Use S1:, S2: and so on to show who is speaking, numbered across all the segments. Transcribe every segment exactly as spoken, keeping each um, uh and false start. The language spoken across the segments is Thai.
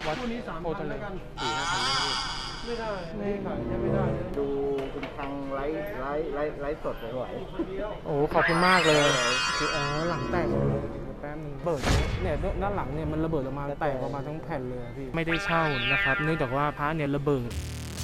S1: วัดนี้สามพันแล้วกันสี่ห้าพันไม่ได้ไม่ขายไม่ได้
S2: ดูคุณทางไลฟ์ไลฟ์ไลฟ์ไลฟ์สดสวย
S1: โอ้ขอบคุณมากเลยคืออ๋อหลังแตกเลยแป๊บนึงเบิดเนี่ยด้านหลังเนี่ยมันระเบิดออกมาแตกออกมาทั้งแผ่นเลยพี่ไม่ได้เช่านะครับเนื่องจากว่าพระเนี่ยระเบิด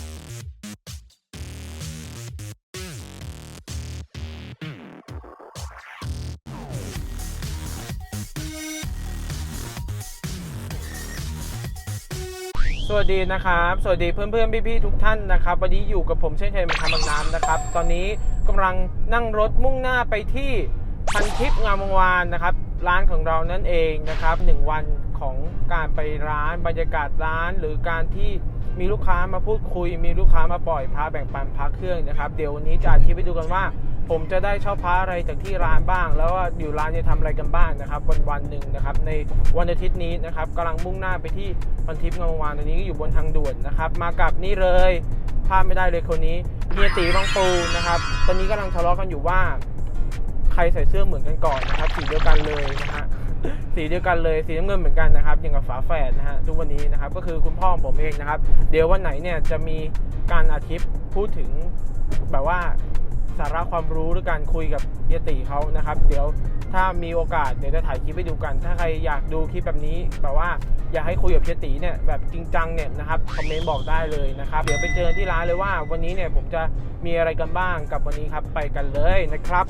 S1: สวัสดีนะครับสวัสดีเพื่อนเพื่อนพี่ๆทุกท่านนะครับวันนี้อยู่กับผมเช่นเคยเป็นคำบางน้ำนะครับตอนนี้กำลังนั่งรถมุ่งหน้าไปที่พันทิพย์งามวงวานนะครับร้านของเรานั่นเองนะครับหนึ่งวันของการไปร้านบรรยากาศร้านหรือการที่มีลูกค้ามาพูดคุยมีลูกค้ามาปล่อยพระแบ่งปันพระเครื่องนะครับเดี๋ยววันนี้จะอธิบายดูกันว่าผมจะได้เช่าพระอะไรจากที่ร้านบ้างแล้วว่าอยู่ร้านจะทำอะไรกันบ้างนะครับวันวันหนึ่งนะครับในวันอาทิตย์นี้นะครับกำลังมุ่งหน้าไปที่พันทิพย์งามวงวานตอนนี้ก็อยู่บนทางด่วนนะครับมากับนี่เลยพลาดไม่ได้เลยคนนี้เฮียตีบางปูนะครับตอนนี้กำลังทะเลาะกันอยู่ว่าใครใส่เสื้อเหมือนกันก่อนนะครับสีเดียวกันเลยนะฮะสีเดียวกันเลยสีน้ำเงินเหมือนกันนะครับอย่างกับฝาแฝดนะฮะทุกวันนี้นะครับก็คือคุณพ่อของผมเองนะครับเดี๋ยววันไหนเนี่ยจะมีการอาทิตย์พูดถึงแบบว่าสาระความรู้หรือการคุยกับเฮียตีเขานะครับเดี๋ยวถ้ามีโอกาสเดี๋ยวจะถ่ายคลิปให้ดูกันถ้าใครอยากดูคลิปแบบนี้แบบว่าอยากให้คุยกับเฮียตีเนี่ยแบบจริงจังเนี่ยนะครับคอมเมนต์บอกได้เลยนะครับเดี๋ยวไปเจอที่ร้านเลยว่าวันนี้เนี่ยผมจะมีอะไรกันบ้างกับวันนี้ครับไปกันเลยนะครับ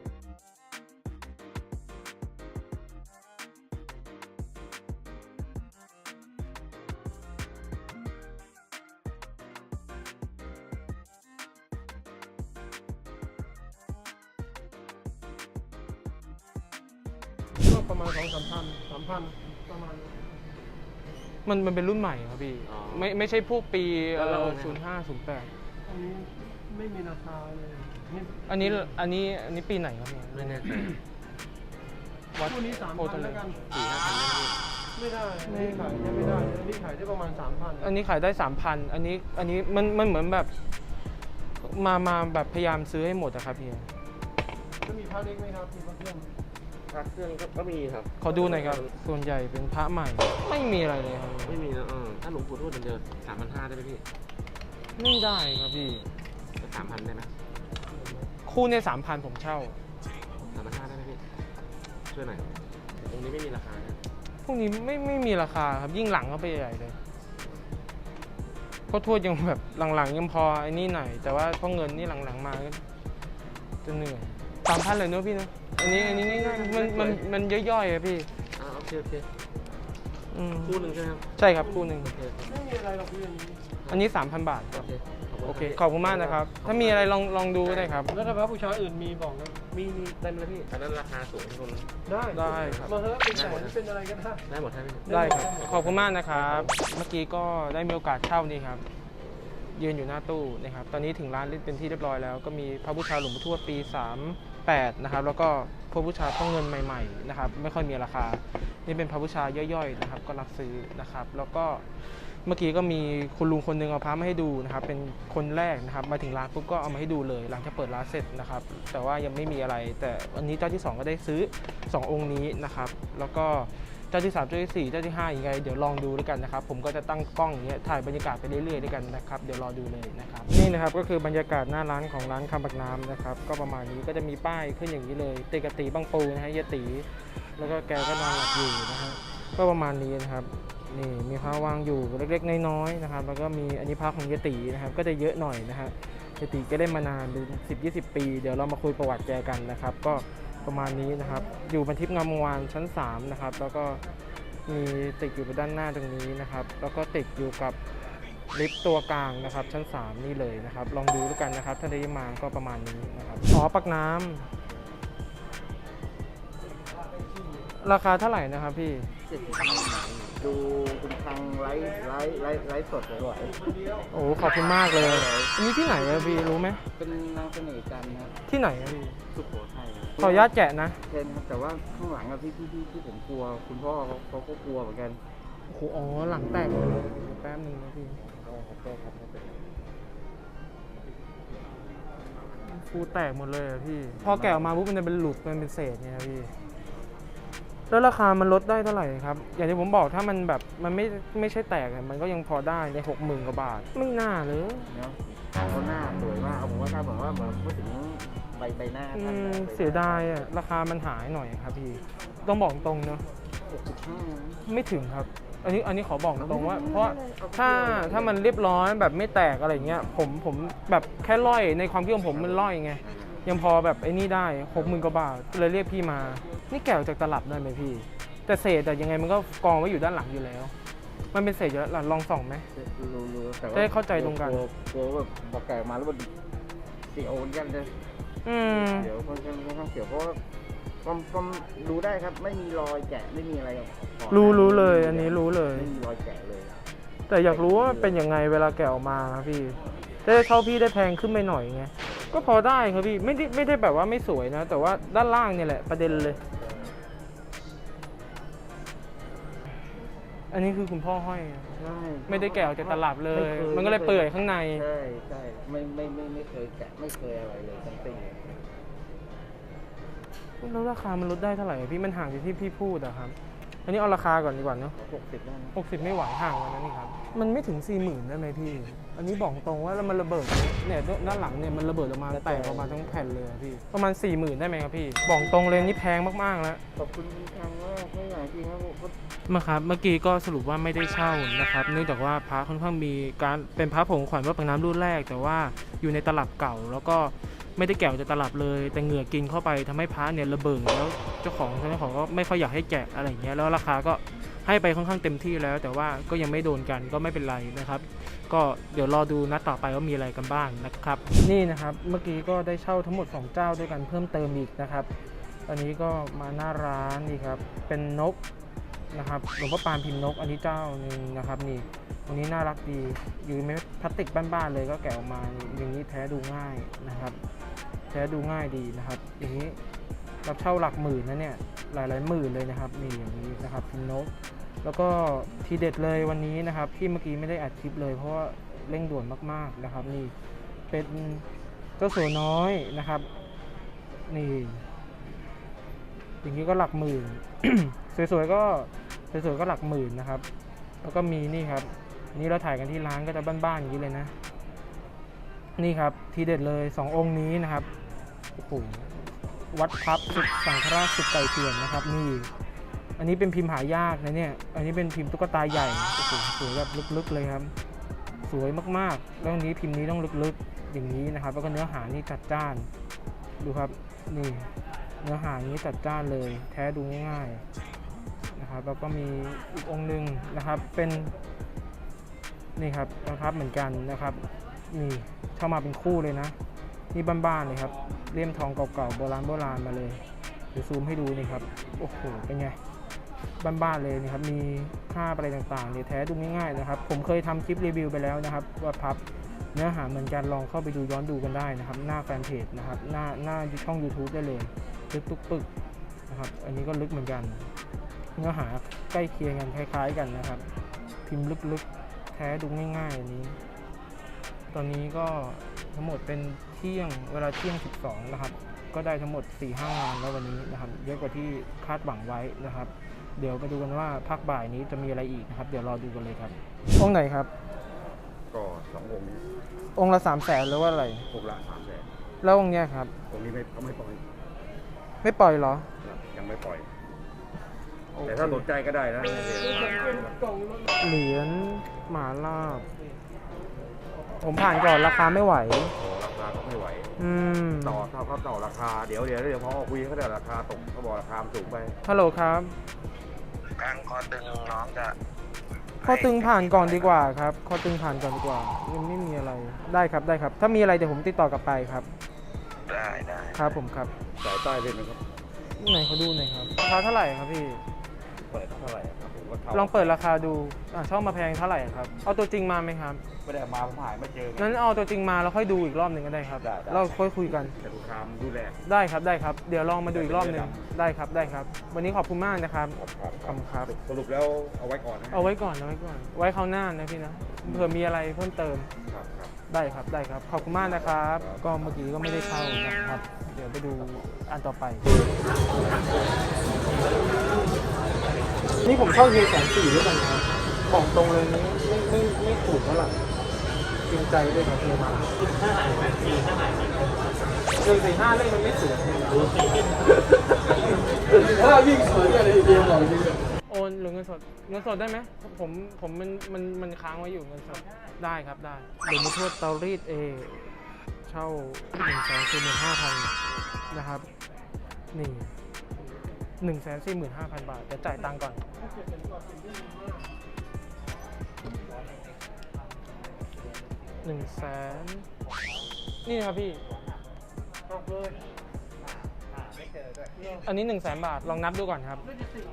S1: ก็ประมาณสองสามพันสามพันประมาณมันมันเป็นรุ่นใหม่ครับพี่ไม่ไม่ใช่พวกปีศูนย์ห้าศูนย์แปดอันนี้ไม่มีราคาเลยอันนี้อันนี้อันนี้ปีไหนครับพี่ไม่แน่ใจวัดนี้สามพันแล้วกันสี่ห้าพันไม่ได้ไม่ขายไม่ได้อันนี้ขายได้ประมาณสามพันอันนี้ขายได้สามพันอันนี้อันนี้มันมันเหมือนแบบมามาแบบพยายามซื้อให้หมดอะครับพี่จะมีพระเล็กไหมครับมีพระเครื่องพระเครื่องก็มีครับขอดูหน่อยครับส่วนใหญ่เป็นพระใหม่ไม่มีอะไรเลยครับ
S3: ไม่มีนะเออถ้าหลวงปู่ทวดเดิมสามพันห้าได้ไหมพี่
S1: ไม่ได้ครับพี่
S3: สามพันได้ไหม
S1: คู่เนี่ยสามพันผมเช่า
S3: สามพันห้าได้ไหมพี่ช่วยหน่อยตรงนี้ไม่มีราคา
S1: พวกนี้ไม่ไม่มีราคาครับยิ่งหลังก็ไปใหญ่เลยเพราะทวดยังแบบหลังๆยังพอไอ้นี่หน่อยแต่ว่าพอเงินนี่หลังๆมาก็จะเหนื่อยสามพันเลยเนอะพี่เนอะอันนี้อันนี้ง่ายๆมันมันมันย่อยๆอะพี่
S3: อ่าโอเคโอเค
S1: คู่
S3: หนึ่งใช่ไหมครับ
S1: ใช่ครับคู่หนึ่ง
S3: ไม่มีอะไรหรอกพี่อันนี้
S1: อันนี้สามพันบาทครับโอเคขอบคุณมากนะครับถ้ามีอะไรลองลองดูได้ครับแล้วถ้าพระบูชาอื่นมีบอกนะ
S3: มีมีเต็มเลยพี่อันนั้นราคาสูงทุกคน
S1: ได้ได้ครับมาเถอะเป็นแสนเป็นอะไรกันได้
S3: ได้หมดใช่ไหม
S1: ได้ครับขอบคุณมากนะครับเมื่อกี้ก็ได้มีโอกาสเช่านี่ครับยืนอยู่หน้าตู้นะครับตอนนี้ถึงร้านเป็นที่เรียบร้อยแล้วก็มีพระบูชาหลวงปู่ทวดปีสามแปดนะครับแล้วก็พระบูชาพ่อเงินใหม่ๆนะครับไม่ค่อยมีราคานี่เป็นพระบูชาย่อยๆนะครับก็รับซื้อนะครับแล้วก็เมื่อกี้ก็มีคุณลุงคนหนึ่งเอาพระมาให้ดูนะครับเป็นคนแรกนะครับมาถึงร้านปุ๊บก็เอามาให้ดูเลยหลังจากเปิดร้านเสร็จนะครับแต่ว่ายังไม่มีอะไรแต่วันนี้เจ้าที่สองก็ได้ซื้อสององค์นี้นะครับแล้วก็เจ้าที่สามเจ้าที่สี่เจ้าที่ห้ายังไงเดี๋ยวลองดูด้วยกันนะครับผมก็จะตั้งกล้องอย่างเงี้ยถ่ายบรรยากาศไปเรื่อยๆด้วยกันนะครับเดี๋ยวรอดูเลยนะครับนี่นะครับก็คือบรรยากาศหน้าร้านของร้านคำปักน้ำนะครับก็ประมาณนี้ก็จะมีป้ายขึ้นอย่างนี้เลยติกติบางปูนะฮะเยตีแล้วก็แกก็นอนหลับอยู่นะฮะก็ประมาณนี้นะครับนี่มีพระวางอยู่เล็กๆน้อยๆนะครับแล้วก็มีอันนี้พระของเยตีนะครับก็จะเยอะหน่อยนะฮะเยตีก็ได้มานานเป็นสิบยี่สิบปีเดี๋ยวเรามาคุยประวัติแกกันนะครับก็ประมาณนี้นะครับอยู่พันทิพย์งามวงวานชั้นสามนะครับแล้วก็มีติดอยู่ด้านหน้าตรงนี้นะครับแล้วก็ติดอยู่กับลิฟต์ตัวกลางนะครับชั้นสามนี่เลยนะครับลองดูด้วยกันนะครับถ้าได้มาก็ประมาณนี้นะครับอ๋อปักน้ำราคาเท่าไหร่นะครับพี่
S2: ดูคุณทางไลฟ์ไลฟ์ไลฟ์ไลฟ์สดสวย
S1: โอ้ขอบคุณมากเลยอันนี้ที่ไหนอะพี่รู้ไหม
S2: เป็นนางเสน่ห์จันทร์ครับ
S1: ที่ไหนอะพี่
S2: สุโขทัย
S1: ขออนุญาตแกะนะ
S2: เช่นแต่ว่าข้างหลังอะที่ที่ที่ผมกลัวคุณพ่อเขาเขาก็กลัวเหมือนกัน
S1: โอ้โหอ๋อหลังแตกเลยแป๊บนึงนะพี่ฟูแตกหมดเลยอะพี่พอแกะออกมาปุ๊บมันจะเป็นหลุดมันเป็นเศษเนี่ยพี่แล้วราคามันลดได้เท่าไหร่ครับ อย่างที่ผมบอกถ้ามันแบบมันไม่ไม่ใช่แตกเนี่ยมันก็ยังพอได้ในหกหมื่นกว่าบาทไม่น่าเลย
S2: เนาะเขาหน้าสวยมากผมว่าถ้าเหมือนว่าเหมือนพูดถึงใบใบหน้า
S1: อื
S2: ท่าน
S1: ม
S2: นะ
S1: เสียดายอะราคามันหายหน่อยครับพี่ต้องบอกตรงเนอะ
S2: หกสิบห้า
S1: ไม่ถึงครับ อันนี้อันนี้ขอบอกตรงว่า เพราะ
S2: เอา
S1: ถ้า
S2: เดียว
S1: ถ้ามันเรียบร้อยแบบไม่แตกอะไรเงี้ยผมผมแบบแค่ร่อยในความคิดของผมมันร่อยไงยังพอแบบไอ้นี่ได้หกหมื่นกว่าบาทเลยเรียกพี่มา นี่แกะออกจากตลับได้ไหมพี่ แต่เศษแต่ยังไงมันก็กองไว้อยู่ด้านหลังอยู่แล้ว มันเป็นเศษอยู่แล้วลองส่องไหม
S2: รู้รู้แต่ว่า
S1: จะได้เข้าใจตรงกัน
S2: กลัวกลัวแบบบอกแก่มาแล้วมันเสียวเหมือนกันเลย
S1: อืม
S2: เดี๋ยวค่อนข้างค่อนข้างเสียวเพราะว่าความความรู้ได้ครับไม่มีรอยแกะไม่มีอะไรก่อน
S1: รู้รู้เลย อันนี้รู้เลย
S2: ไม่มีรอยแกะเลย
S1: แต่อยากรู้ว่าเป็นยังไงเวลาแกะออกมาครับพี่จะได้เท่าพี่ได้แพงขึ้นไปหน่อยไงก็พอได้ครับพี่ไม่ได้ไม่ได้แบบว่าไม่สวยนะ แต่ว่าด้านล่างเนี่ยแหละประเด็นเลย อันนี้คือคุณพ่อห้อยอะ
S2: ใช่
S1: ไม่ได้แกะออกจากตลับเลย
S2: ไค
S1: มันก็เลยเปื่อยข้างใน
S2: ใช่ใช่ไม่ไม่ไม่ไม่เคยแกะไม่เคยอะไรเลยทั้งสิ้น
S1: แล้วราคามันลดได้เท่าไหร่อะพี่มันห่างจากที่พี่พูดอะครับ อันนี้เอาราคาก่อนดีกว่าเนาะ
S2: หกสิบได้ไหม
S1: หกสิบไม่ไหวห่างกันนะนี่ครับ มันไม่ถึงสี่หมื่นได้ไหมพี่ อันนี้บอกตรงว่าแล้วมันระเบิดเนี่ยด้านหลังเนี่ยมันระเบิดออกมาแตกออกมาทั้งแผ่นเลยอะพี่ ประมาณสี่หมื่นได้ไหมครับพี่ บอกตรงเลยนี่แพงมากๆแล้ว
S2: ขอบคุณทางว่าไม่ใหญ่จริงครับผม
S1: มาครับเมื่อกี้ก็สรุปว่าไม่ได้เช่านะครับเนื่องจากว่าพระค่อนข้างมีการเป็นพระผงขวัญวัดปากน้ำรุ่นแรก แต่ว่าอยู่ในตลับเก่า แล้วก็ไม่ได้แกะออกจากตลับเลย แต่เหงื่อกินเข้าไปทำให้พระเนี่ยระเบิดแล้วเจ้าของเจ้าของก็ไม่ค่อยอยากให้แกะอะไรอย่างเงี้ยแล้วราคาก็ให้ไปค่อนข้างเต็มที่แล้ว แต่ว่าก็ยังไม่โดนกันก็ไม่เป็นไรนะครับ ก็เดี๋ยวรอดูนัดต่อไปว่ามีอะไรกันบ้างนะครับ นี่นะครับเมื่อกี้ก็ได้เช่าทั้งหมดสองเจ้าด้วยกันเพิ่มเติมอีกนะครับตอนนี้ก็มาหน้าร้านนี่ครับเป็นนกนะครับหลวงพ่อปานพิมพ์นกอันนี้เจ้าหนึ่งนะครับนี่อันนี้น่ารักดีอยู่ในพลาสติกบ้านๆเลยก็แกะออกมาอย่างนี้แท้ดูง่ายนะครับแท้ดูง่ายดีนะครับอย่างนี้รับเช่าหลักหมื่นนะเนี่ยหลายๆหมื่นเลยนะครับนี่อย่างนี้นะครับพิมพ์นกแล้วก็ทีเด็ดเลยวันนี้นะครับที่เมื่อกี้ไม่ได้อัดคลิปเลยเพราะว่าเร่งด่วนมากๆนะครับนี่เป็นเจ้าสัวน้อยนะครับนี่อย่างนี้ก็หลักหมื่น สวยๆก็สวยๆก็หลักหมื่นนะครับแล้วก็มีนี่ครับนี่เราถ่ายกันที่ร้านก็จะบ้านๆอย่างนี้เลยนะนี่ครับทีเด็ดเลยสององค์นี้นะครับโอ้โหวัดพับสุดสังฆราชสุดไก่เถื่อนนะครับนี่อันนี้เป็นพิมพ์หายากนะเนี่ยอันนี้เป็นพิมพ์ตุ๊กตาใหญ่โอ้โหสวยแบบลึกๆเลยครับสวยมากๆแล้วอันนี้พิมพ์นี้ต้องลึกๆอย่างนี้นะครับแล้วก็เนื้อหานี่จัดจ้านดูครับนี่เนื้อหานี้จัดจ้านเลยแท้ดูง่ายๆนะครับแล้วก็มีอีกองค์หนึ่งนะครับเป็นนี่ครับนะครับเหมือนกันนะครับนี่เข้ามาเป็นคู่เลยนะนี่บ้านๆเลยครับเลี่ยมทองเก่าๆโบราณโบราณมาเลยเดี๋ยวซูมให้ดูนี่ครับโอ้โหเป็นไงบ้านๆเลยนี่ครับมีค่าอะไรต่างๆเนี่ยแท้ดูง่ายๆนะครับผมเคยทำคลิปรีวิวไปแล้วนะครับว่าพับเนื้อหาเหมือนกันลองเข้าไปดูย้อนดูกันได้นะครับหน้าแฟนเพจนะครับหน้าหน้าช่อง YouTube ได้เลยลึกตุกปึกนะครับอันนี้ก็ลึกเหมือนกันเนื้อหาใกล้เคียงกันคล้ายๆกันนะครับพิมพ์ลึกๆแท้ดูง่ายๆอันนี้ตอนนี้ก็ทั้งหมดเป็นเที่ยงเวลาเที่ยงสิบสองนะครับก็ได้ทั้งหมด สี่ห้า งานแล้ววันนี้นะครับเยอะกว่าที่คาดหวังไว้นะครับเดี๋ยวไปดูกันว่าภาคบ่ายนี้จะมีอะไรอีกนะครับเดี๋ยวรอดูกันเลยครับองค์ไหนครับ
S2: ก็สององค์นี้
S1: องค์ละสามแสนหรือว่าอะไร
S2: องค์ละสามแสน
S1: แล้วองค์เนี้ยครับ
S2: องค์นี้ไม่เขาไม่ปล่อย
S1: ไม่ปล่อยเหรอ
S2: ครับยังไม่ปล่อย
S1: โอเค
S2: แต่ถ้าสนใจก็ได้นะ
S1: เหรียญหมาลาบผมผ่านก่อนราคาไม่ไหว
S2: โอ้ราคาก็ไม่ไหว
S1: อืม
S2: ต่อเขาเขาต่อราคาเดี๋ยวเดี๋ยวเดี๋ยวพอคุยเขาได้ราคาตกเขาบอกราคามันสูงไป
S1: ฮัลโหลครับ
S4: กลางคอตึงน้องจะ
S1: ข้อตึงผ่านก่อนดีกว่าครับข้อตึงผ่านก่อนดีกว่ายังไม่มีอะไรได้ครับได้ครับ ถ้ามีอะไรเดี๋ยวผมติดต่อกลับไปครับ
S4: ได้ได้
S1: ครับผมครับ
S2: สายใต้เป็นไหมครับ
S1: ไหนเขาดูหน่อยครับราคาเท่าไหร่ครับพี่
S2: เปิดเท่าไหร่ครับผมก็เท่า
S1: ลองเปิดราคาดูอ่าช่องมาแพงเท่าไหร่ครับเอาตัวจริงมาไหมครับ
S2: ไม่ได้เอามาผมหายไม่เจอไง
S1: งั้นเอาตัวจริงมาแล้วค่อยดูอีกรอบหนึ่งก็ได้ครับ
S2: ได้ได้
S1: เราค่อยคุยกัน
S2: แต่ลูกค้ามันดูแล
S1: ได้ครับได้ครับเดี๋ยวลองมาดูอีกรอบหนึ่งได้ครับได้ครับ วันนี้ขอบคุณมากนะครับ
S2: ครับ
S1: ขอบคุณครับ
S2: สรุปแล้วเอาไว้ก่อนนะ
S1: เอาไว้ก่อนเอาไว้ก่อน ไว้คราวหน้านะพี่นะเผื่อมีอะไรเพิ่มเติม
S2: ครับครับ
S1: ได้ครับได้ครับขอบคุณมากนะครับ ก็เมื่อกี้ก็ไม่ได้เข้านะครับ เดี๋ยวไปดูอันต่อไป นี่ผมเข้าเฮียแสนสี่ด้วยกันครับบอกตรงเลยนี้ไม่ไม่ไม่ถูกแล้วล่ะจริงใจด้วยครับเฮียมาหนึ่งสี่ห้าเลขมันไม่สวยถ้ายิ่งสวยอะไรเดียวบอกจริงโอนหรือเงินสดเงินสดได้ไหมผมผมมันมันมันค้างไว้อยู่เงินสดได้ครับได้หรือมาทวดเตารีดเอเช่าหนึ่งแสนสี่หมื่นห้าพันนะครับนี่หนึ่งแสนสี่หมื่นห้าพันบาทจะจ่ายตังค์ก่อนหนึ่งแสนนี่ครับพี่อันนี้หนึ่งแสนบาทลองนับดูก่อนครับ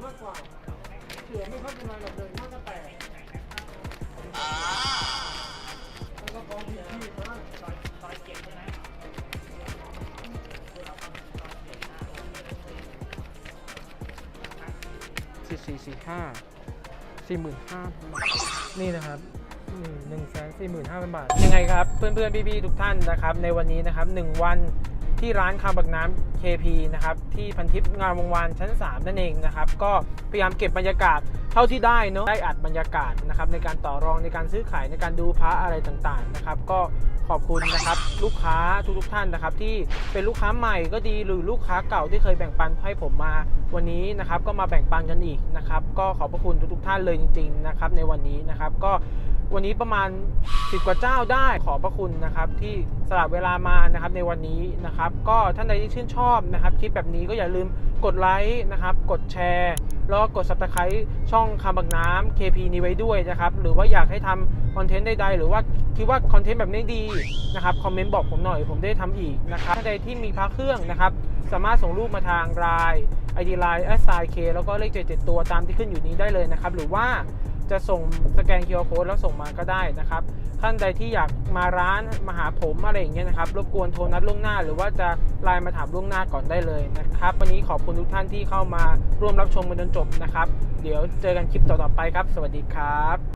S1: สี่สี่สี่ห้าสี่หมื่นห้าพันบาทนี่นะครับหนึ่งแสนสี่หมื่นห้าพันบาทยังไงครับเพื่อนๆพี่ๆทุกท่านนะครับในวันนี้นะครับหนึ่งวันที่ร้านคาบักน้ำ เค พี นะครับที่พันทิพย์งามวงวานชั้นสามนั่นเองนะครับก็พยายามเก็บบรรยากาศเท่าที่ได้เนาะได้อัดบรรยากาศนะครับในการต่อรองในการซื้อขายในการดูพระอะไรต่างๆนะครับก็ขอบคุณนะครับลูกค้าทุกๆท่านนะครับที่เป็นลูกค้าใหม่ก็ดีหรือลูกค้าเก่าที่เคยแบ่งปันให้ผมมาวันนี้นะครับก็มาแบ่งปันกันอีกนะครับก็ขอบพระคุณทุกๆท่านเลยจริงๆนะครับในวันนี้นะครับก็วันนี้ประมาณสิบกว่าเจ้าได้ขอบพระคุณนะครับที่สละเวลามานะครับในวันนี้นะครับก็ท่านใดที่ชื่นชอบนะครับคลิปแบบนี้ก็อย่าลืมกดไลค์นะครับกดแชร์แล้วก็กด ซับสไครบ์ ช่องคาบักน้ำ เค พี นี้ไว้ด้วยนะครับหรือว่าอยากให้ทำคอนเทนต์ใดๆหรือว่าคิดว่าคอนเทนต์แบบนี้ดีนะครับคอมเมนต์บอกผมหน่อยผมได้ทำอีกนะครับท่านใดที่มีพระเครื่องนะครับสามารถส่งรูปมาทางไลน์ ไอ ดี ไลน์ แอท ไซน์ เค แล้วก็เลขเจ็ดเจ็ดตัวตามที่ขึ้นอยู่นี้ได้เลยนะครับหรือว่าจะส่งสแกน คิว อาร์ Code แล้วส่งมาก็ได้นะครับท่านใดที่อยากมาร้านมาหาผมอะไรอย่างเงี้ยนะครับรบกวนโทรนัดล่วงหน้าหรือว่าจะไลน์มาถามล่วงหน้าก่อนได้เลยนะครับวันนี้ขอบคุณทุกท่านที่เข้ามาร่วมรับชมกันจนจบนะครับเดี๋ยวเจอกันคลิปต่อๆไปครับสวัสดีครับ